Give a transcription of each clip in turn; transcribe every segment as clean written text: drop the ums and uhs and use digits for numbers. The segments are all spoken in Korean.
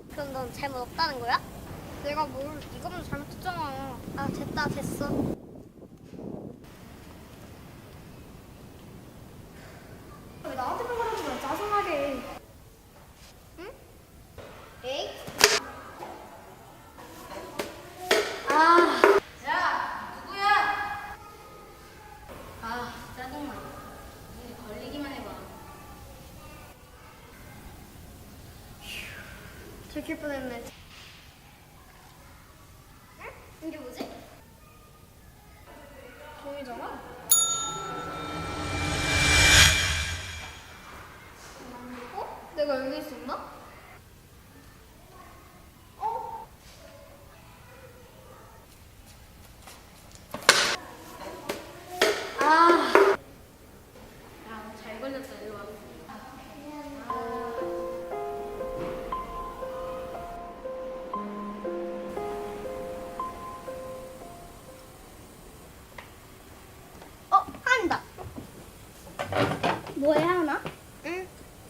그럼 넌 잘못 없다는 거야? 내가 뭘 이거만 잘못했잖아. 아, 됐다, 됐어. 왜 나한테 그러는 거야? 짜증나게. 응? 에이? 아, 야, 누구야? 아, 짜증나. 눈에 걸리기만 해봐. 들킬 뻔했네. 응? 이게 뭐지? 종이잖아? 어? 내가 여기 있었나? 어? 아, 야, 잘 걸렸다. 이리 와. 한다. 뭐해, 하나? 응?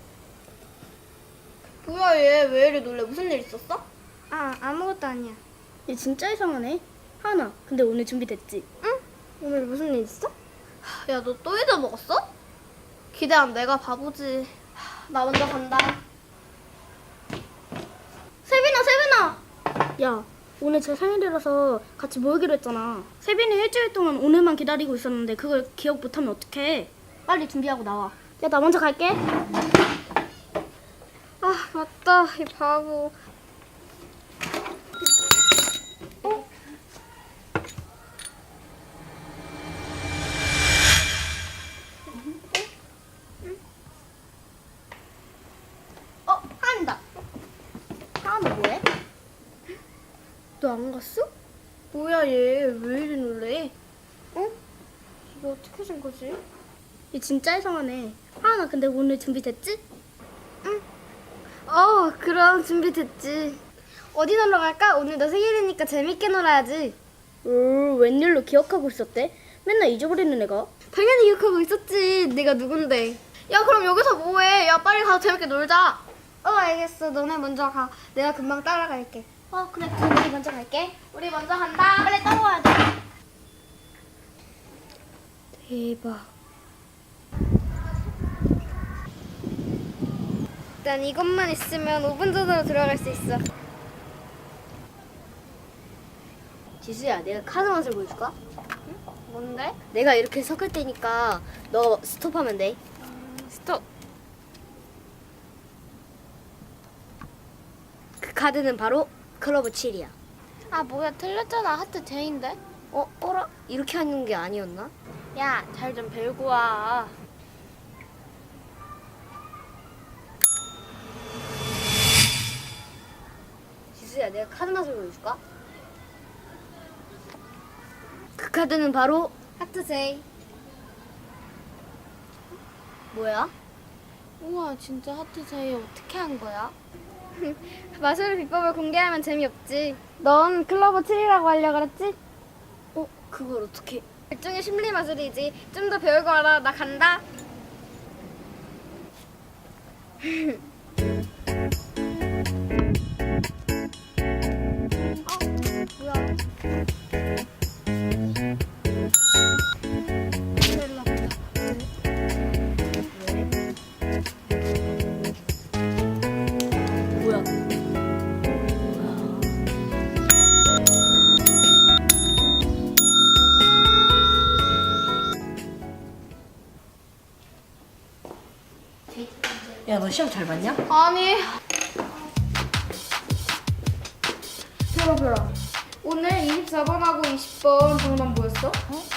뭐야, 얘 왜 이리 놀래? 무슨 일 있었어? 아, 아무것도 아니야. 얘 진짜 이상하네. 하나, 근데 오늘 준비됐지? 응? 오늘 무슨 일 있어? 야, 너 또 잊어먹었어? 기대한 내가 바보지. 나 먼저 간다. 세빈아! 야, 오늘 제 생일이라서 같이 모이기로 했잖아. 세빈이 일주일 동안 오늘만 기다리고 있었는데 그걸 기억 못하면 어떡해. 빨리 준비하고 나와. 야, 나 먼저 갈게. 아, 맞다. 이 바보. 한다. 하나 뭐해? 너 안 갔어? 뭐야 얘 왜 이리 놀래? 응? 이거 어떻게 된 거지? 얘 진짜 이상하네. 하나 근데 오늘 준비됐지? 그럼 준비됐지. 어디 놀러 갈까? 오늘 너 생일이니까 재밌게 놀아야지. 웬일로 기억하고 있었대? 맨날 잊어버리는 애가. 당연히 기억하고 있었지. 내가 누군데. 야 그럼 여기서 뭐해? 야 빨리 가서 재밌게 놀자. 알겠어. 너네 먼저 가. 내가 금방 따라갈게. 그래. 그럼 우리 먼저 갈게. 우리 먼저 간다. 빨리 따라와야 돼. 대박. 일단 이것만 있으면 5분 전으로 들어갈 수 있어. 지수야, 내가 카드 맛을 보여줄까? 뭔데? 내가 이렇게 섞을 테니까 너 스톱하면 돼. 스톱. 그 카드는 바로 클러브 7이야. 아 뭐야 틀렸잖아. 하트 J인데. 어라? 이렇게 하는 게 아니었나? 야 잘 좀 배우고 와. 지수야, 내가 카드 맛을 보여줄까? 그 카드는 바로 하트 J. 뭐야? 우와 진짜 하트 J 어떻게 한 거야? 마술 비법을 공개하면 재미없지. 넌 클로버 7이라고 하려고 그랬지? 그걸 어떻게? 일종의 심리 마술이지. 좀 더 배우고 와라. 나 간다. 뭐야? 뭐야? 야, 너 시험 잘 봤냐? 아니. 별아. 오늘 24번하고 20번 정답 뭐였어?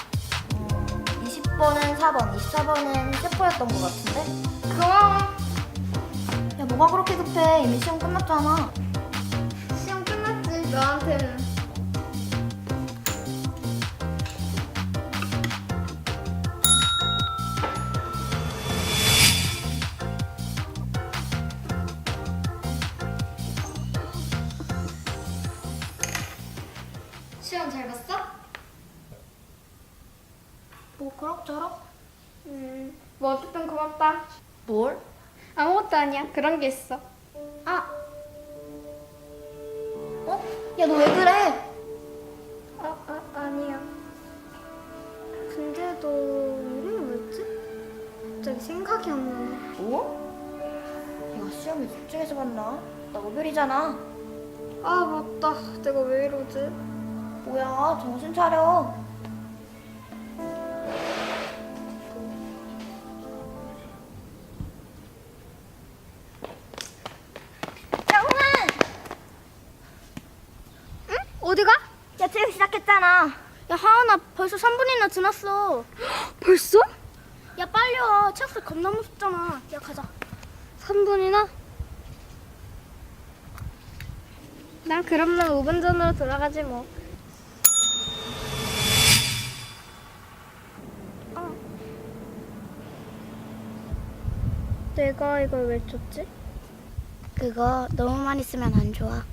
20번은 4번, 24번은 세포였던 것 같은데? 고마워. 야, 뭐가 그렇게 급해? 이미 시험 끝났잖아. 시험 끝났지. 너한테는. 시험 잘 봤어? 뭐 그럭저럭? 뭐 어쨌든 고맙다. 뭘? 아무것도 아니야. 그런 게 있어. 아 야, 너 왜 그래? 아니야. 근데 너 이름이 뭐였지? 갑자기 생각이 안 나네. 뭐? 야, 시험에 집중해서 봤나? 나 오별이잖아. 아, 맞다. 내가 왜 이러지? 뭐야, 정신 차려. 어디가? 야, 체육 시작했잖아. 야, 하은아, 벌써 3분이나 지났어. 벌써? 야, 빨리 와. 체육실 겁나 무섭잖아. 야, 가자. 3분이나? 난 그러면 5분 전으로 돌아가지 뭐. 내가 이걸 왜 줬지? 그거 너무 많이 쓰면 안 좋아.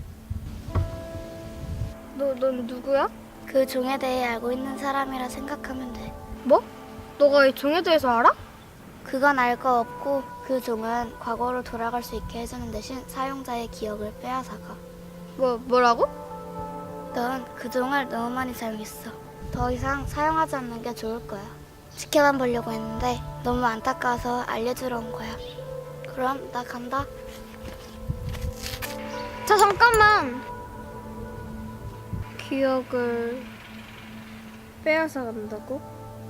넌 누구야? 그 종에 대해 알고 있는 사람이라 생각하면 돼. 뭐? 너가 이 종에 대해서 알아? 그건 알 거 없고 그 종은 과거로 돌아갈 수 있게 해주는 대신 사용자의 기억을 빼앗아가. 뭐라고? 넌 그 종을 너무 많이 사용했어. 더 이상 사용하지 않는 게 좋을 거야. 지켜만 보려고 했는데 너무 안타까워서 알려주러 온 거야. 그럼 나 간다. 자, 잠깐만. 기억을 빼앗아 간다고?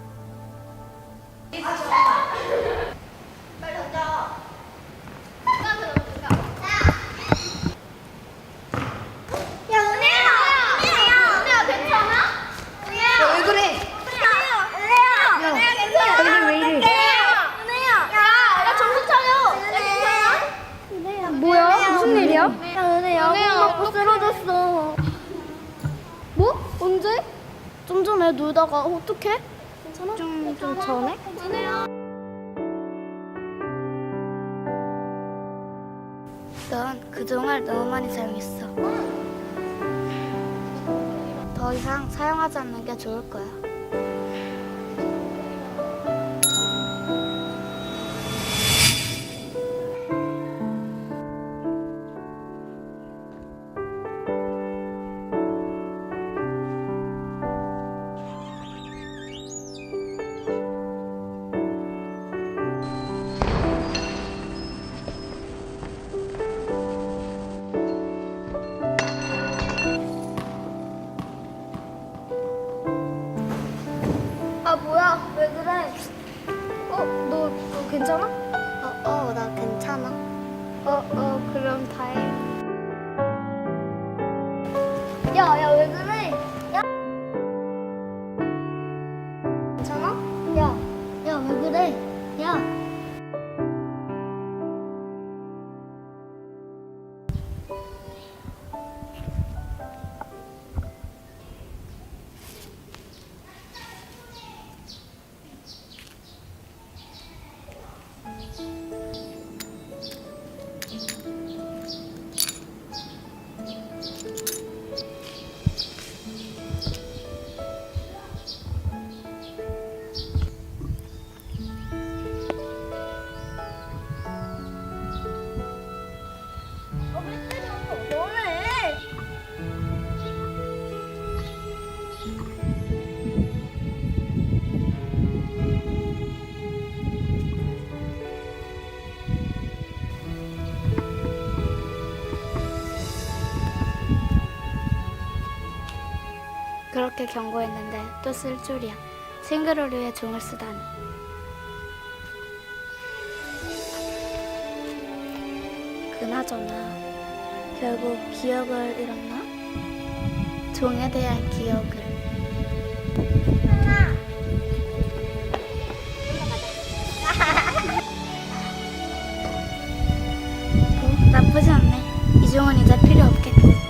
왜 그래? 뭐야? 무슨 일이야? 은혜야, 맞고 쓰러졌어. 뭐? 언제? 좀 전에 놀다가 어떡해? 괜찮아? 좀 전에? 넌 그 종을 너무 많이 사용했어. 더 이상 사용하지 않는 게 좋을 거야. 아, 뭐야? 왜 그래? 너 괜찮아? 나 괜찮아. 그럼 다행. 야, 왜 그래? 괜찮아? 야, 왜 그래? 야. 그렇게 경고했는데 또 쓸 줄이야. 친구를 위해 종을 쓰다니. 그나저나 결국 기억을 잃었나? 종에 대한 기억을. 나쁘지 않네. 이 종은 이제 필요 없겠고.